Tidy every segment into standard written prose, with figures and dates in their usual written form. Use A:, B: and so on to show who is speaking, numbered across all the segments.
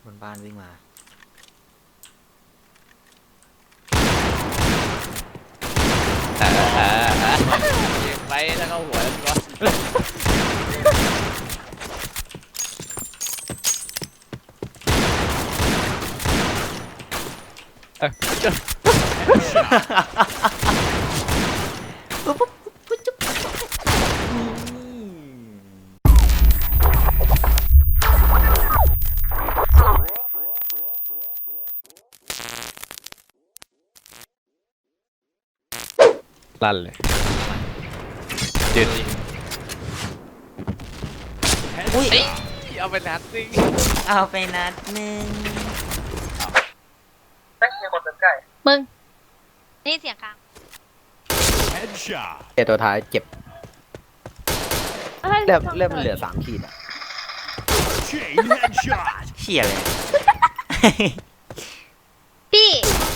A: บนบ้านวิ่งมา
B: ยิงไปแล้วก็หัวแล้วก็ลั่นเลยยืน
A: อุ้ย
B: เอาไปนัดซิง
A: เอาไปนัดหนึ่ง
C: มึงนี่เสียงกลาง
D: เจตัวท้ายเจ็บ
C: อะไร
D: เริ่มเหลือ3 ขีดอ่ะ
A: เชี่ยเลย
C: พี่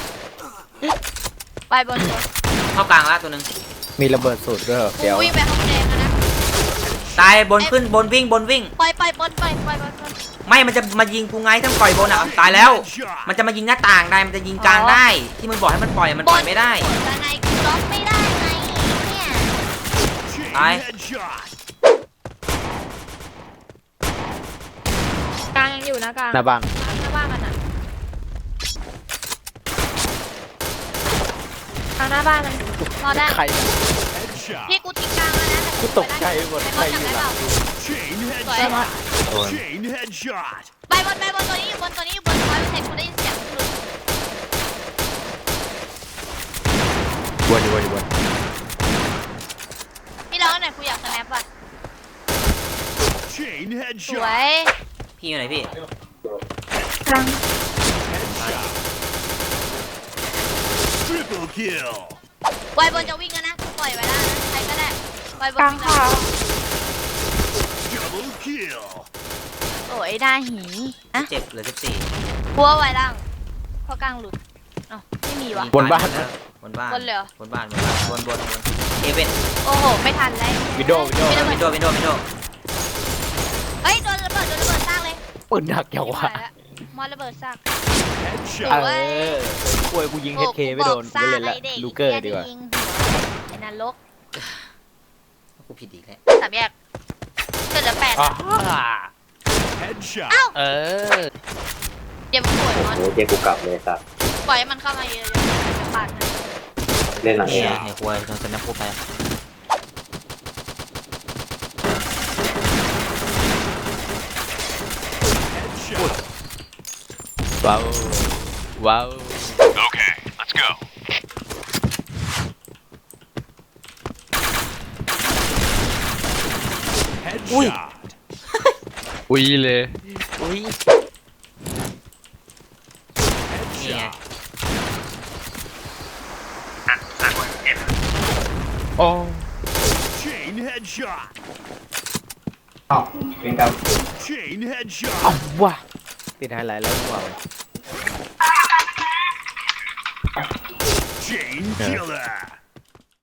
C: ไปบนตัว
A: เข้ากลางละตัวหนึ่ง
D: มีระเบิดสูตรด้วยเหรอ
C: กู
D: เดี๋ยว
C: วิ่งไปห้องแดงแล้วนะ
A: ตายบนขึ้นบนวิ่งบนวิ่ง
C: ปล่อยบนปล่อยบน
A: ไม่มันจะมายิงกูไงถ้าปล่อยบนอ่ะตายแล้ว มันจะมายิงหน้าต่างได้มันจะยิงกลางได้ ที่มึงบอกให้มันปล่อยมันปล่อยไม่ได้
C: บนด้านในกูล็อกไม่ได้ไงเนี่ย
A: ตาย
C: กลางยังอยู่นะกลาง
D: หน้าบ้าน
C: หน้าบ้านมันอ่ะกลางหน้าบ้านมันรอได้
D: ใคร
C: พี่กูทิ้งกลางแล้วนะ
D: กูตกใจหมด
C: ไป
D: ใคร
C: บน
D: อยู่
C: จับ
D: หลั
C: ได้
D: ง
C: เปล่าสวยไปบนตัวนี้อยู่บนตัวนี้อยู่บนคอยไปเสร็จกูได้ยินเสียงหลุด
D: วน
C: พี่ร้องหน่อยกูอยากสแนปอ่ะสวย
A: พี่อยู่ไหนพี่
C: กลางไวบนจะวิ่งกันนะปล่อยไว้แล้วนะใครก็ได้ไวบนวิ่งแล้วโอ้ยได้หีนะ
A: เจ็บเหลือ14
C: กลัวไวล่างเพราะกลางหลุดอ๋อไม่มีวะ
D: บนบ้านนะ
A: บนบ้าน
C: บนเลยเหรอ
A: บนบ้านบนเอเวน
C: โอ้โหไม่ทันแล้ว
D: วิดโดว์
A: วินโดว์วินโดว์
C: เฮ้ยโดนระเบิดสร้างเลย
D: ปืนหนักอย่างวะ
C: มอระเบิดสร้าง
D: ป่วยกูยิงเฮดเคไม่โดนไม่เล่นละลูเกอร์ดีกว่า
C: ไอ้นรก
A: กูผิดอีกแล้ว
C: สามแยกเกิดเหลือ8
B: เอ้า
C: เดี๋ยวมันป่วยมอน
E: โอ้เจ๊กูกลับเลยสัตว์
C: ปล่อยให้มันเข้ามาเยอะๆจะปาดให้
E: เล่นหลังเอ
A: เนี่ย
E: ง
A: ไอ้ควายโดนสแนปพูดไป
B: ว้าว
A: อุ้ย
B: อุ้ยเลย
A: อุ้ยนี่ไง
B: โอ้
E: เป็นกับ
D: เอาว่ะติดไฮไลท์แล้วว่ะ